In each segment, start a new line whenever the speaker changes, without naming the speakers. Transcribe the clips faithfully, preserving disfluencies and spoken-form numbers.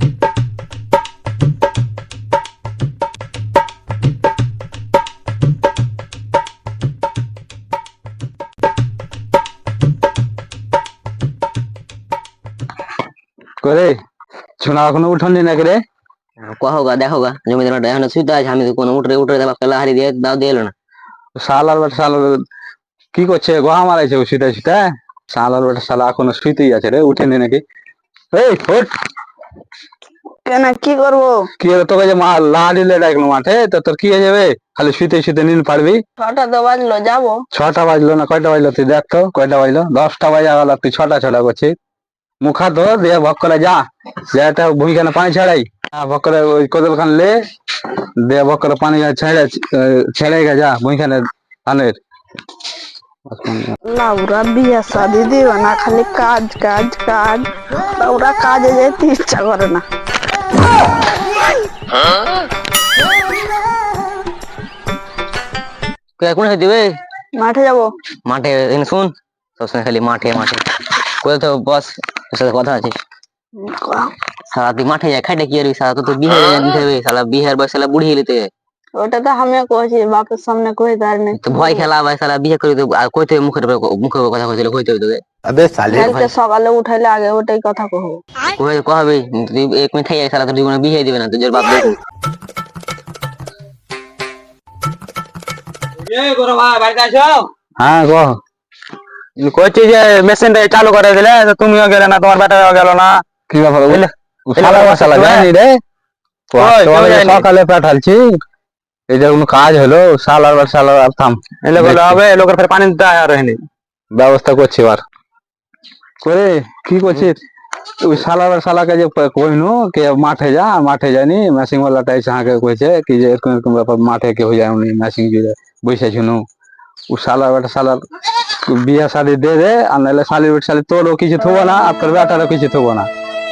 করে ছোনা এখনো উঠোনি না করে
কহোগা দেখোগা জমিদার এখন শুইতে আছে আমি তো কোনো উঠরে উঠরে দেবা পেলা হারি দিয়ে দাও দিয়ে এলো না
শালার বেটা শালা কি করছে গোহা মারাইছে ও শুতে শুতে শালার বেটা শালা এখনো শুইতেই আছে রে উঠেনি নাকি এই ওঠ
কেন কি করবো?
কি হলো তোকে যে মা লা দিলে ডাকলো মাঠে তো তোর কি হয়ে যাবে খালি শুইতে শুইতে নীল পারবি
ছটা তো বাজলো যাবো।
ছটা বাজলো না কয়টা বাজলো তুই দেখ তো কয়টা বাজলো দশটা বাজা গেল তুই ছটা ছটা করছিস মুখা ধো দিয়ে ভক করে যা যা একটা ভূমিখানে পানি ছাড়াই ভক করে ওই কোদল খান লে দিয়ে ভক করে পানি ছেড়ে ছেড়ে গে যা ভূমিখানে ধানের
লাউরা বিয়ে শাদি দিবে না, খালি কাজ কাজ কাজ। লাউরা কাজে যেতে ইচ্ছা করে না।
কোন দিবে
মাঠে যাবো।
মাঠে এনে শুন সবসময় খালি মাঠে মাঠে কোথাও তো বস তোর সাথে কথা আছে সারা তুই মাঠে যায় খাইটা কি আর সারা তো বিয়ে দিতে হবে সালা বিহার বয়স সালা বুড়ি হেলিতে
ওটা তো আমিও কইছি বাপের সামনে কই তার নেই
তো ভয় খেলা ভাই সালা বিয়ে করে তো আর কইতে মুখের মুখে কথা কইছিল কইতে তোকে
আবে সালে
কালকে সকালে উঠাইলে আগে ওটাই কথা কহবো
কই কহবে তুই এক মিনিট খাই সালা তোর জীবনে বিয়ে দিবে না তোর বাপ দেখো
এই গোরা ভাই বাড়িতে আছো?
হ্যাঁ গো
কইছি যে মেশিনটা চালু করে দিলে তুমিও গেলে না তোমার বেটাও গেল না
কি ব্যাপার বুঝলে শালা শালা জানি রে সকালে পাঠালছি এই যে কোনো কাজ হলো শালার বার শালার আর থাম
এলে বলে হবে লোকের ফের পানি দিতে আর হয়নি
ব্যবস্থা করছি এবার করে কি করছিস ওই শালার বার শালাকে যে কইনু কে মাঠে যা মাঠে জানি মেশিন ওয়ালাটা এসে হাঁকে কইছে কি যে এরকম এরকম ব্যাপার মাঠে কে হয়ে যায় উনি মেশিন জুড়ে বসে শুনু ও শালার বেটা শালার বিয়া শাড়ি দে দে আর নাহলে শালির বেটা শালি তোরও কিছু থবো না আর তোর বেটারও কিছু থবো না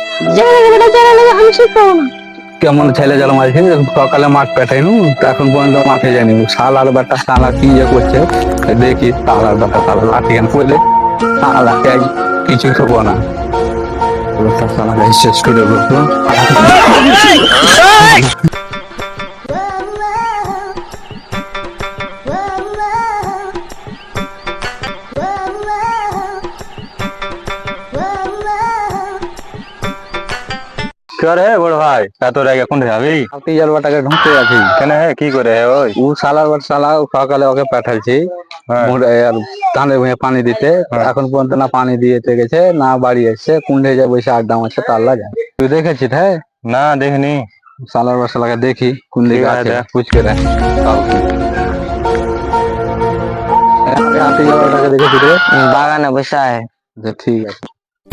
কেমন ছেলে জল মাঝে সকালে মাঠ পেটাইনু এখন পর্যন্ত মাঠে যাইনি শালার বেটা শালা কি যে করছে দেখি শালার বেটা শালা লাঠি গান করলে শালাকে কিছু থবো না শালাকে শেষ করে বলতো
করে বড় ভাই এত রেগে কোন যাবি
আপনি জল বাটাকে ঢুকতে আছি
কেন হে কি করে হে ওই
ও শালার বেটা শালা সকালে ওকে পাঠাইছি আর ধানের ভুঁয়ে পানি দিতে এখন পর্যন্ত না পানি দিয়েতে গেছে না বাড়ি এসছে কুন্ডে যায় বসে আড্ডা মারছে তাল্লা যায় তুই দেখেছিস হ্যাঁ
না দেখিনি
শালার বেটা শালাকে দেখি কোন দিকে আছে পুছ করে আপনি জল বাটাকে দেখেছিস রে
বাগানে বসে আছে
ঠিক আছে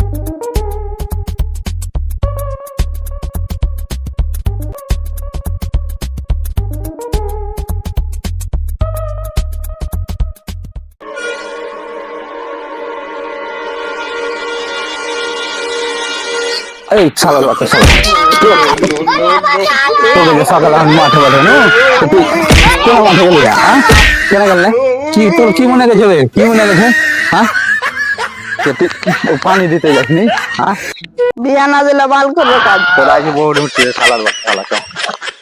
এই শালা বাচ্চা শালা তোকে সকালে আমি মাঠে পাঠানো তুই কেন মাঠে গেলি হ্যাঁ কেন গেলে কি তোর কি মনে গেছে কি মনে গেছে হ্যাঁ পানি দিতে যাসনি হ্যাঁ
বিয়া না দিলে বাল করবে কাজ
তোরা আজ বউ উঠছে শালার বাচ্চা শালা